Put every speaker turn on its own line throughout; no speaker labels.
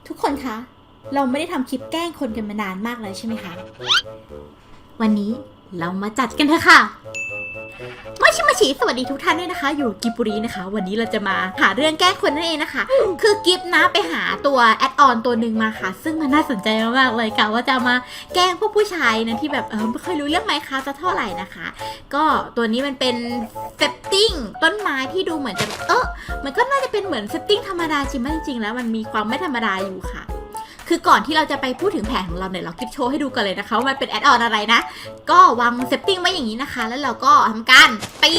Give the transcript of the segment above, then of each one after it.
ทุกคนคะ เราไม่ได้ทำคลิปแกล้งคนกันมานานมากเลยใช่ไหมคะ วันนี้เรามาจัดกันเถอะค่ะมาชิสวัสดีทุกท่านด้วยนะคะ อยู่กิบบุรีนะคะ วันนี้เราจะมาหาเรื่องแกล้งคนนั่นเองนะคะ คือกิฟนะไปหาตัวแอดออนตัวหนึ่งมาค่ะ ซึ่งมันน่าสนใจมากๆเลยกะว่าจะมาแกล้งพวกผู้ชายนะที่แบบไม่ค่อยรู้เรื่องไมค์คราฟต์สักเท่าไหร่นะคะ ก็ตัวนี้มันเป็นเซตติ้งต้นไม้ที่ดูเหมือนจะมันก็น่าจะเป็นเหมือนเซตติ้งธรรมดาจริงๆแล้วมันมีความไม่ธรรมดาอยู่ค่ะ คือก่อนที่เราจะไปพูดถึงแผนของเราเนี่ยเราคลิปโชว์ให้ดูกันเลยนะคะว่ามันเป็นแอดออนอะไรนะก็วางเซตติ้งไว้อย่างนี้นะคะแล้วเราก็ทำการตี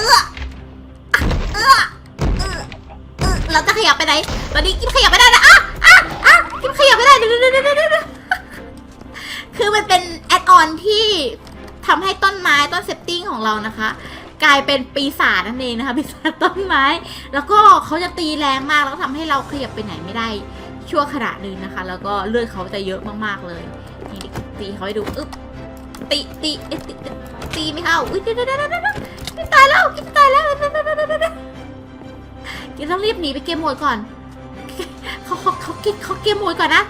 เราจะขยับไปไหนตอนนี้กิ๊บขยับไม่ได้นะกิ๊บขยับไม่ได้เดี๋ยวคือมันเป็นแอดออนที่ทำให้ต้นไม้ต้นเซตติ้งของเรานะคะกลายเป็นปีศาจนั่นเองนะคะปีศาจต้นไม้แล้วก็เขาจะตีแรงมากแล้วก็ทำให้เราขยับไปไหนไม่ได้ชั่วขณะหนึ่งนะคะแล้วก็เลือดเขาจะเยอะมากๆเลยนี่ตีเขาให้ดูตีไม่เข้าเดี๋ยวตายแล้วกิ๊บตายแล้วกิ๊บต้องรีบหนีไปเกมโหมดก่อนเขาเกมโหมดก่อนนะ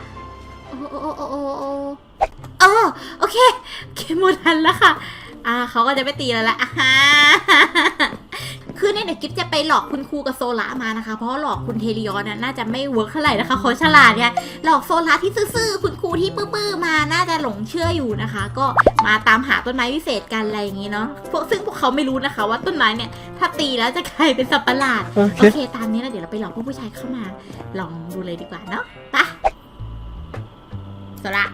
โอเคเกมโหมดทันแล้วค่ะเขาก็จะไม่ตีแล้วละคือเนี่ยเดี๋ยวกิ๊บจะไปหลอกคุณครูกับโซล่ามานะคะเพราะหลอกคุณเทริออนน่าจะไม่เวิร์กเท่าไหร่นะคะเขาฉลาดเนี่ยหลอกโซล่าที่ซื่อๆคุณครูที่ปื้อๆมาน่าจะหลงเชื่ออยู่นะคะก็มาตามหาต้นไม้วิเศษกันอะไรอย่างงี้เนาะซึ่งพวกเขาไม่รู้นะคะว่าต้นไม้เนี่ยถ้าตีแล้วจะกลายเป็นสัตว์ประหลาดโอเคตามนี้แล้วเดี๋ยวเราไปหลอกพวกผู้ชายเข้ามาลองดูเลยดีกว่าเนาะไปโซล่า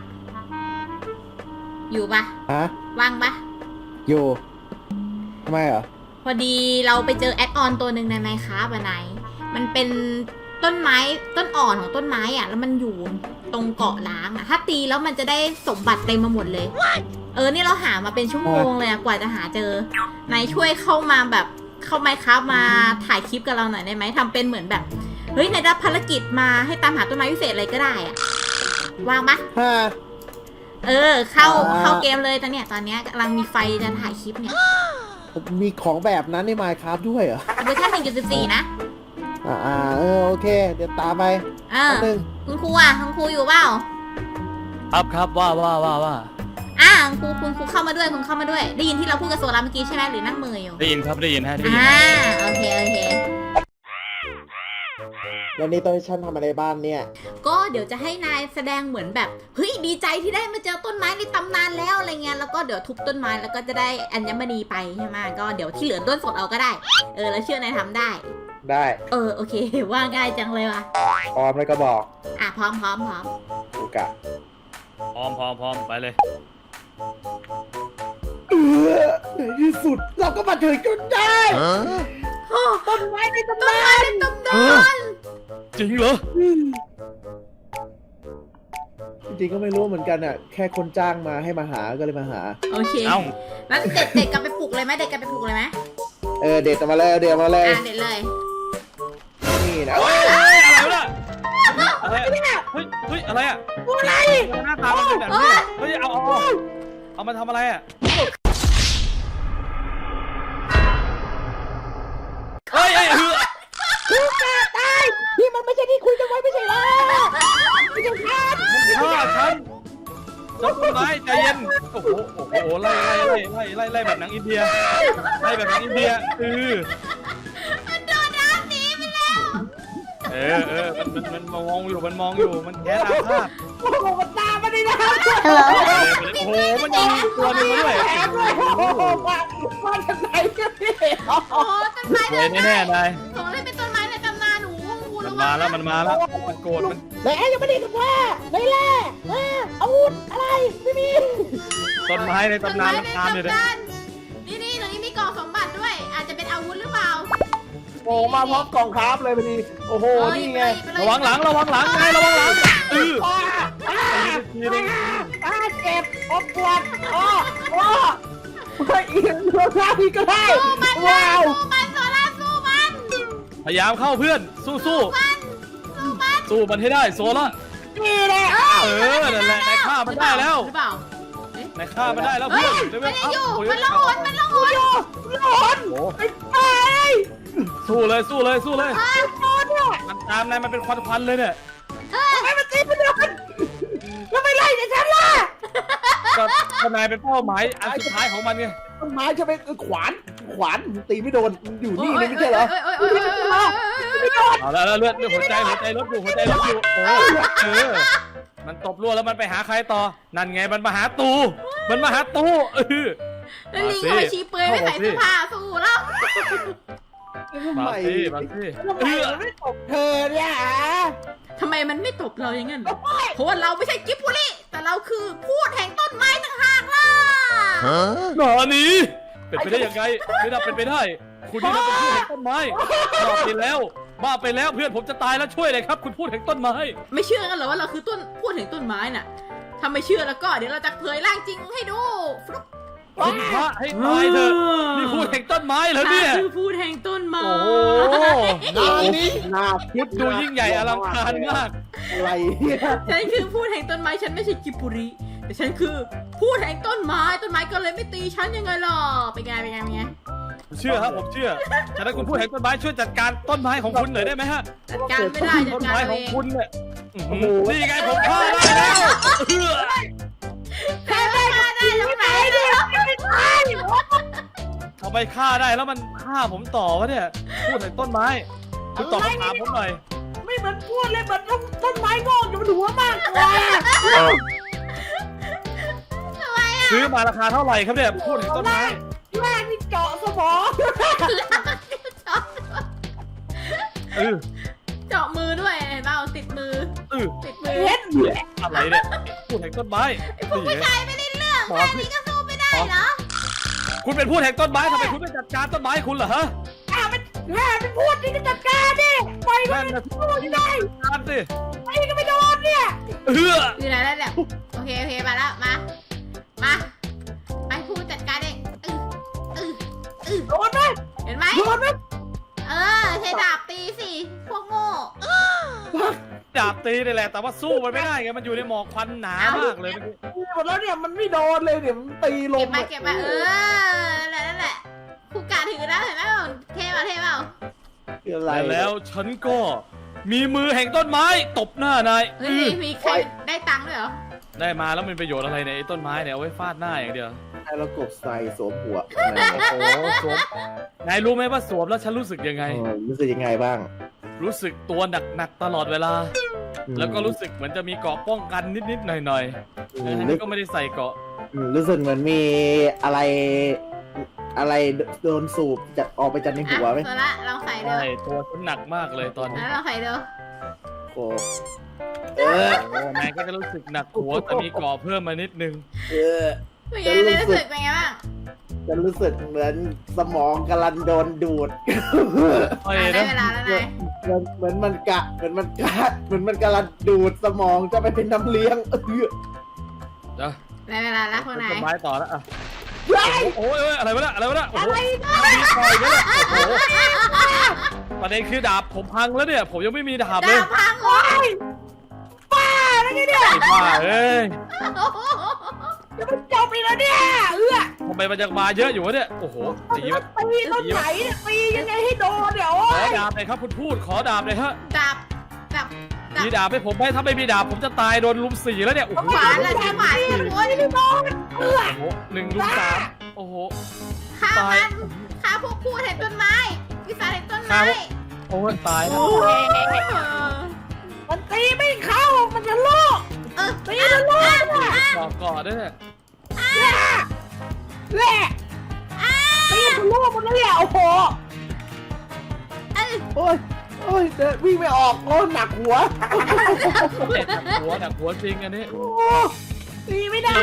อยู่ปะว่างปะ
อยู่ทำไมเหรอ
พอดีเราไปเจอแอดออนตัวหนึ่งในไมค์คราฟต์ไหนมันเป็นต้นไม้ต้นอ่อนของต้นไม้อ่ะแล้วมันอยู่ตรงเกาะล้างอ่ะถ้าตีแล้วมันจะได้สมบัติเต็มมาหมดเลยนี่เราหามาเป็นชั่วโมงเลยกว่าจะหาเจอนายช่วยเข้ามาแบบเข้าไมค์คราฟต์มาถ่ายคลิปกับเราหน่อยได้ไหมทำเป็นเหมือนแบบเฮ้ยนายรับภารกิจมาให้ตามหาต้นไม้พิเศษอะไรก็ได้อ่ะว่างปะเข้าเกมเลยตอนเนี้ยกำลังมีไฟจะถ่ายคลิปเนี่ย
มีของแบบนั้นใน Minecraft ด้วยเหรอ
เวอร์ชัน 1.14 นะ
โอเคเดี๋ยวตามไปนึง
คุณครูคุณครูอยู่เปล่า
ครับว่า
คุณครูเข้ามาด้วยคุณเข้ามาด้วยได้ยินที่เราพูดกับโซล่าเมื่อกี้ใช่ไหมหรือนั่งมืออยู่
ได้ยินครับได้ยินฮะ
โอเค
วันนี้ตอนฉันทำอะไรบ้านเนี่ย
ก็เดี๋ยวจะให้นายแสดงเหมือนแบบเฮ้ยดีใจที่ได้มาเจอต้นไม้ในตำนานแล้วอะไรเงี้ยแล้วก็เดี๋ยวทุบต้นไม้แล้วก็จะได้อัญมณีไปใช่ไหมก็เดี๋ยวที่เหลือต้นสดเอาก็ได้แล้วเชื่อนายทำได้
โ
อเคว่าง่ายจังเลยว่ะ
พร้อมแล้วก็บอก
พร้อม
โอกะ
พร้อมไปเลย
ในที่สุดเราก็มาถึงจุดได้ต้นไม้ในตำนาน
จริงเหรอ
จริงก็ไม่รู้เหมือนกันแค่คนจ้างมาให้มาหาก็เลยมาหา
โอเคแล้วเด็กกลับไปปลุกเลยไหมเด็ก
มาเลยเด็ด
เลย
นี่นะ
อะไรอะไรหน้าตามันเป็นแบบนี้เฮ้ยเอามาทำอะไรเฮ้ย
กูตายนี่มันไม่ใช่ที่คุยกันไว้ไม่ใช่หรอไม่ใช่
ฉันจับต้นไม้ใจเย็นโอ้โหไล่แบบหนังอินเดียมันโดนน้ำหนีไปแล้วมันมองอยู่มันแค่อาฆาต
มันตามมาดินะ
โอ้โหมันยิงตัวนึงมาด้วย
มาจากไหนกันพี่
ต้นไม้
แน่นาย
ของเล่นเป็นต้นไม้ในตำนาน
มันมาแล้วมันโกรธมัน
แล้วยังไม่ได้กับแม่ไม่แล่อาวุธอะไรไม่มี
ต้นไม้ในตำนานตามเลย
นี่ตรงนี้มีกล่องสมบัติด้วยอาจจะเป็นอาวุธหรือเปล่า
โอ้มาพร้อมกล่องคราฟเลยพอดีโอ้โหนี่ไง
ระวังหลังไงระวังหลัง
เจ็บปวดไม่เอียงเรือได้ก็ได้ว้าว
มันโซล่าสู้มัน
พยายามเข้าเพื่อนสู้มันให้ได้โซล่า
นี่แหละ
นั่นแหละนายฆ่ามันได้แล้ว
หรือเปล่า
นายฆ่ามันได้แล้วเพื่อน
มันอยู่มันล่องหน
ไป
สู้เลยมันตามนายมันเป็นควันเลยเนี่ย
ให้มันตี
ก็นายเป็นเป้าหมายอันสุดท้ายของมันไง
ต้นไม้ใช่ไหมขวานตีไม่โดนอยู่นี่เลยไม่ใช่เหรอ
เอาแล้วเลือดหัวใจลดอยู่มันตบรั่วแล้วมันไปหาใครต่อนั่นไงมันมาหาตู
แล้วลิงหอยชีเปลือยไม่ใส่เสื้อผ้าสู้แล้ว
ทำไม
มาสิ
ไม่ตบเธอเนี่ย
ทำไมมันไม่ตบเราอย่างนั้นเพราะว่าเราไม่ใช่กิบบุรีแต่เราคือพูดแห่งต้นไม้ต่างหากล่ะ
หนอนี้เป็นไปได้ยังไงไม่น่าเป็นไปได้คุณนี่น่าเป็นผู้แห่งต้นไม้บ้าไปแล้วเพื่อนผมจะตายแล้วช่วยเลยครับคุณพูดแห่งต้นไม้
ไม่เชื่อกันเหรอว่าเราคือต้นพูดถึงต้นไม้น่ะถ้าไม่เชื่อแล้วก็เดี๋ยวเราจะเผยร่างจริงให้ดูฟลุ๊ก
คุณพระให้ตายเถอะนี่พูดแห่งต้นไม้เหรอเนี่ย
คือพูดแห่งต้นไม้
โอ้โห
นานี้นาพุทธ
ดูยิ่งใหญ่อลังการมาก
อะไรเนี่ย
ฉันคือพูดแห่งต้นไม้ฉันไม่ใช่กิบบุรีแต่ฉันคือพูดแห่งต้นไม้ก็เลยไม่ตีฉันยังไงหรอเป็นไง
ผมเชื่อครับผมเชื่อฉะนั้นคุณพูดแห่งต้นไม้ช่วยจัดการต้นไม้ของคุณหน่อยได้ไหมฮะ
จัดการไม่ได้จั
ต้
ด
น
การ
ไม้ข
เอ
อง
ง
คุณเนี่ยนี่ไงผมฆ่าได้แล้ว
แค่ไม่ฆ่าได้ตรงไหนเดี๋ยวไม่ตาย
ทำไมฆ่าได้แล้วมันฆ่าผมต่อวะเนี่ยพูดแห่งต้นไม้คุณตอบคำถามผมหน่อย
ไม่เหมือนพูดเลยเหมือนต้นไม้งอกอยู่บนหัวมากกว่า
ซื้อมาราคาเท่าไหร่ครับเนี่ยพูดแห่งต้นไม้
แรกนี่เจาะสมอง
เจาะมือด้วยเห็นเปล่าติดมือ
เฮ็ด
อะไรเนี่ยพูดแห่งต้นไม้
พวกผู้ชายไม่ได้เรื่องแค่นี้ก็สู้ไม่ได้เหรอ
คุณเป็นพูดแห่งต้นไม้ทำไมคุณไม่จัดการต้นไม้คุณเหรอฮะ
เป็นพูดนี่ก็จัดการดิปล่อยมัน
นั่นนะ
พูดได้
การสิ
ไอ้ก็ไม่โดนเนี่ย
อยู่ไหนแล้วเนี่ยโอเคมาแล้วมาไปพูดจัดการเอง
โดนไหม
เห็นไหม
โดนไหม
ใช้ดาบตีสิพวกโง่
ดาบตีนี่แหละแต่ว่าสู้มันไม่ได้ไงมันอยู่ในหมอกควันหนามากเลยเมื่อกี้
หมดแล้วเนี่ยมันไม่โดนเลยเนี่ยมันตีล
เก็
ม
บมานั่นแหละผู้กาถือนะเห็นไหมเท่เปล่า
อะไร
แต่แล้วฉันก็มีมือแห่งต้นไม้ตบหน้านาย
เฮ้ยมีใครได้ตังค์ด้วยเหรอ
ได้มาแล้วมันประโยชน์อะไรเนี่ยไอ้ต้นไม้เนี่ยเอาไว้ฟาดหน้าอย่างเดียว
ให้เรากบใส่สวมหัว
โอ้โหสวมนายรู้ไหมว่าสวมแล้วฉันรู้สึกยังไง
รู้สึกยังไงบ้าง
รู้สึกตัวหนักๆตลอดเวลา แล้วก็รู้สึกเหมือนจะมีเกราะป้องกันนิดๆหน่อยๆแต่ฉันก็ไม่ได้ใส่เกราะ
รู้สึกเหมือนมีอะไรโดนสูบจะออกไปจากในหัวไหม
โซล่าลองใส่ดู
ใช่ตัวฉันหนักมากเลยตอนนี้
ลองใส่ดู
โอ้
โอ้นายก็จะรู้สึกหนักหัวแต่มีเกราะเพิ่มมานิดนึง
เป็นไงรู้สึกเป็นไงบ้าง
จะรู้สึกเหมือนสมองกำลังโดนดูด
ได้เวลาแล้วนาย
เหมือนมันกำลังดูดสมองจะไปเป็นน้ำเลี้ยง
ได้เวลาแล้วพวกนาย
ต้นไม้ต่อแล้วอ่ะโอ้ยอะไรวะเนี่ยโอ้โหมีคอยกันเลยโอ้โหประเด็นคือดาบผมพังแล้วเนี่ยผมยังไม่มีดาบเลย
ดาบพังเลย
บ้าแล้วไงเนี่ย
ไอ้บ้าเอ้ย
จะมันจบอีกแล้วเนี่ย
ทำไมมันยังมาเยอะอยู่วะเนี่ยโอ้โหตีแบบ
ตีต้นไหนเนี่ยตียังไงให้โดนเดี๋ยว
ขอดาบเลยครับคุณพูดขอดาบเลยฮะ
ดาบ
มีดาบให้ผมไหมถ้าไม่มีดาบผมจะตายโดนลุม4แล้วเนี่ยโอ้โห
ขวานละใช่ไหมโอ้ย
ไม่โดน
โอ้โห1 ลุม 3โอ้โห
ฆ่ามันฆ่าพวกพูดเห็นต้นไม้วิสาเห็นต้นไม้
โอ้ยตายแล้ว
มันตีไม่เข้ามันจะโลกตีจะโลก
ก่อด้วยเนี่ย
แหละตีจะโลกมันแล้วเนี่ยโอ้โหโอ้ยวิ่งไม่ออกโอ้หนักหัว
หนักหัวจริงอันนี้
ตีไม่ได้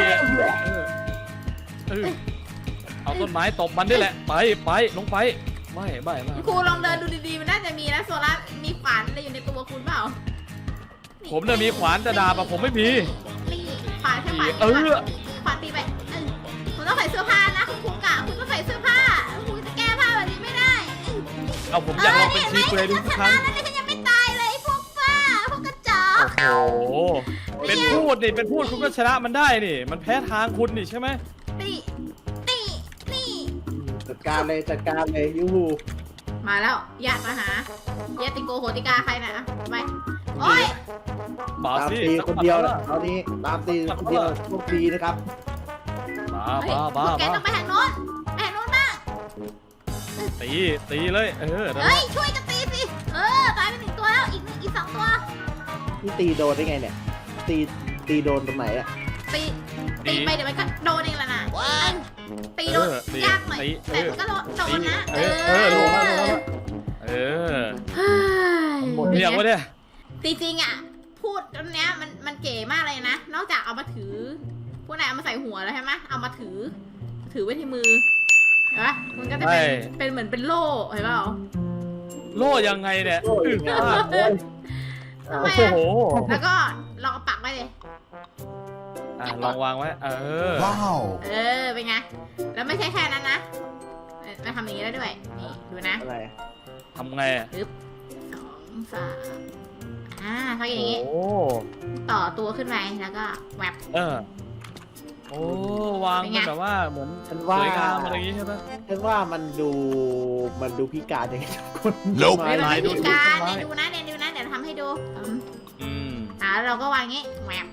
เอาต้นไม้ตบมันได้แหละไปลงไปไม่
ครูลองเดินดูดีๆมันน่าจะมีนะโซล่ามีขวานอะไรอยู่ในตัวคุณเปล่า
ผมเนี่ยมีขวานแต่ดาบผมไม่มี
นี่ขวานแค่ขวาน ขวานตีไปคุณต้องใส่เสื้อผ้านะคุณครูกะคุณต้องใส่เสื้อผ้าคุณจะแก้ผ้าแบบนี้ไม่ได้
เอาผมอยากลองเป็นชีเปลือยดูสักครั้ง
แล้วฉันยังไม่ตายเลยพวกป้าพวกกระจอก
โอ้โหเป็นพูดคุณก็ชนะมันได้นี่มันแพ้ทางคุณนี่ใช่ไหม
นี่
จัดการเลยยูฮู
มาแล้วญาติมาหาญาติโกโหติกาใครนะไปโอ้ย
มา
ตาม
สิ
ตีคนเดียวนะตอนนี้ตามตีคนเดียวโชคดีนะครับ
มา
เฮ้ย
มา
พวกแก
มา
ต้องไปทางโน้นไปทางโน้นบ้าง
ตีเลยนั่นแห
เฮ้
ละ
ยช่วยกันตีสิตายไป1 ตัวแล้วอีก 2 ตัว
นี่ตีโดนได้ไงเนี่ย ตีโดนตรงไหนอะ
ตีไปเดี๋ยวมันก็โดนเองแหละนะตีโดนยากหน่อยแต่มันก็โดนนะ
ลงแล้วเฮ้ยหมดเรียกวะเนี่ย
จริงๆอ่ะพูดอันเนี้ยมันเก๋มากเลยนะนอกจากเอามาถือพวกนายเอามาใส่หัวแล้วใช่ไหมเอามาถือไว้ที่มือเห็นปะมันก็จะเป็นเหมือนเป็นโล่เห็นเปล่า
โล่ยังไงเนี่ย
โอ้ยงาน
ทำไม
โอ้
อะ
โห
แล้วก็ลองเอาปักไว้เลย
ลองวางไว้
Wow.
เป็นไงแล้วไม่ใช่แค่นั้นนะมาทำอย่างนี้ได้ด้วยนี่ดูนะ
อะไร
ทำไง
2 3เขาอย่างนี้
โอ้
ต่อตัวขึ้นไปแล้วก็แวบ
โอ้วาง
เป็นไง
แบบว่าเหมือน
ฉัน
ส
ว่า
วยงามอะไรอย่างงี้ใช่ไหม
ฉันว่ามันดูพิการยังไงทุกคน
Nope
ไม่
ลาย
เป็น
ดู
วิธีการ
ดู
เนี่ยดูนะเดี๋ยวทำให้ดู
ม
แล้วเราก็วางงี้แวบ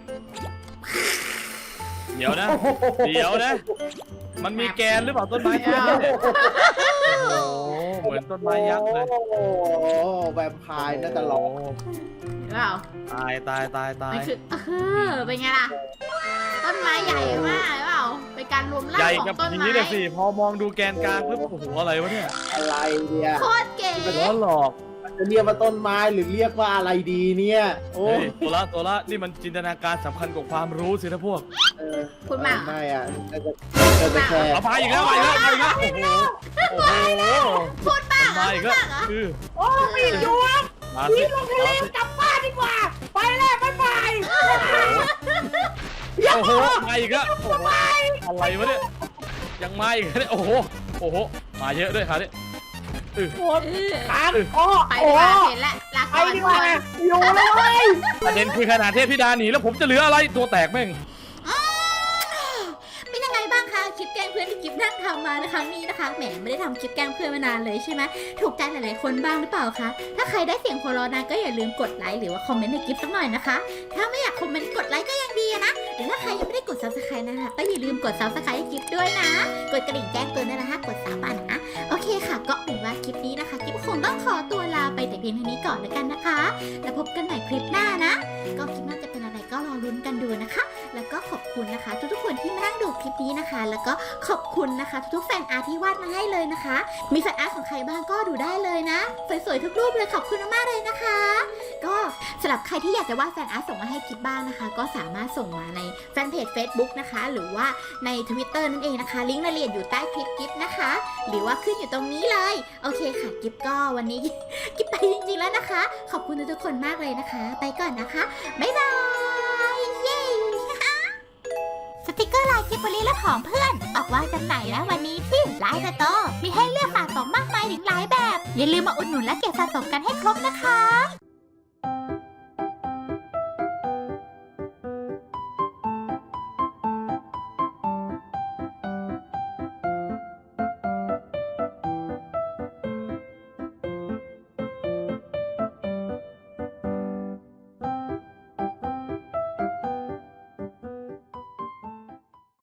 เดี๋ยวนะ มันมีแกนหรือเปล่าต้นไม้
ไม่เอา
โอ้โหเหมือนต้นไม้ยักษ์เลย
โอ้โหแวมไพร์น่าจะร้อง
เห็นเปล่า
ตาย
มันคือเป็นไงล่ะ ต้นไม้ใหญ่มากเห็นเปล่าเป็นการรวมร่า
ใหญ่
งขอ
กับ
งต้น
ผี
ไม้
เลยสิพอมองดูแกนกลางปุ๊บโอ้โหอะไรวะเนี่ย
อะไรเนี่ย
โคตรเก๋
ล้อหลอก
จะเรียกว่าต้นไม้หรือเรียกว่าอะไรดีเนี่ยโอ้
เฮ้ยตัวละนี่มันจินตนาการสำคัญกว่าความรู้สินะพวก
เออ
คุณมาก
ไม่อ่ะจะแค่
เอาไปอีกแล้วโอ้โห
พูดบ้าง
มาอีกแล้วคือ
โอ้ไม่อยู่อ่ะ
มาสิ
กลับบ้านดีกว่า ไปแล้วบ๊ายบาย
โอ้โหมาอีกแล้วโอ้โหอะไรวะเนี่ยยังมาอีกเนี่ยโอ้โหมาเยอะด้วยครับเนี่ย
ค้างอ้อ
ไปดีกว่าเห็นแล้วลา
ไป
ก่อน
ดีกว่าอยู่เลยเว้ย
ประเด็นคือขนาดเทพธิดาหนีแล้วผมจะเหลืออะไรตัวแตกแม่ง
เป็นยังไงบ้างคะคลิปแกล้งเพื่อนที่กิฟนั่งทำมานะคะนี่นะคะแหมไม่ได้ทำคลิปแกล้งเพื่อนมานานเลยใช่ไหมถูกใจหลายๆคนบ้างหรือเปล่าคะถ้าใครได้เสียงหัวเราะนะก็อย่าลืมกดไลค์หรือว่าคอมเมนต์ในคลิปสักหน่อยนะคะถ้าไม่อยากคอมเมนต์กดไลค์ก็ยังดีนะหรือถ้าใครยังไม่ได้กด subscribe นะคะก็อย่าลืมกด subscribe ให้คลิปด้วยนะกดกระดิ่งแจ้งเตือนด้วยนะคะกด3 อันนะโอเคค่ะก็เป็นว่าคลิปนี้นะคะคลิปคงต้องขอตัวลาไปแต่เพียงเท่านี้ก่อนแล้วกันนะคะแล้วพบกันใหม่คลิปหน้านะก็คลิปหน้าจะเป็นอะไรก็รอลุ้นกันดูนะคะ แล้วก็ขอบคุณนะคะทุกๆคนที่มานั่งดูคลิปนี้นะคะ แล้วก็ขอบคุณนะคะทุกๆแฟนอาร์ตที่วาดมาให้เลยนะคะ มีแฟนอาร์ตของใครบ้างก็ดูได้เลยนะสวยๆทุกรูปเลยขอบคุณมากๆเลยนะคะ ก็สำหรับใครที่อยากจะวาดแฟนอาร์ตส่งมาให้คลิปบ้างนะคะ ก็สามารถส่งมาในแฟนเพจ Facebook นะคะ หรือว่าใน Twitter นั่นเองนะคะลิงก์รายละเอียดอยู่ใต้คลิปกิฟนะคะ หรือว่าขึ้นอยู่ตรงนี้เลยโอเคค่ะกิฟก็วันนี้ กิฟไปจริงๆแล้วนะคะ ขอบคุณทุกๆคนมากเลยนะคะ ไปก่อนนะคะบ๊ายบายเย้ สติกเกอร์ลายกิบบลีและของเพื่อนออกวางจำหน่ายแล้ววันนี้ที่ไลน์สโตร์มีให้เลือกสะสมมากมายถึงหลายแบบ อย่าลืมมาอุดหนุนและเก็บสะสมกันให้ครบนะคะ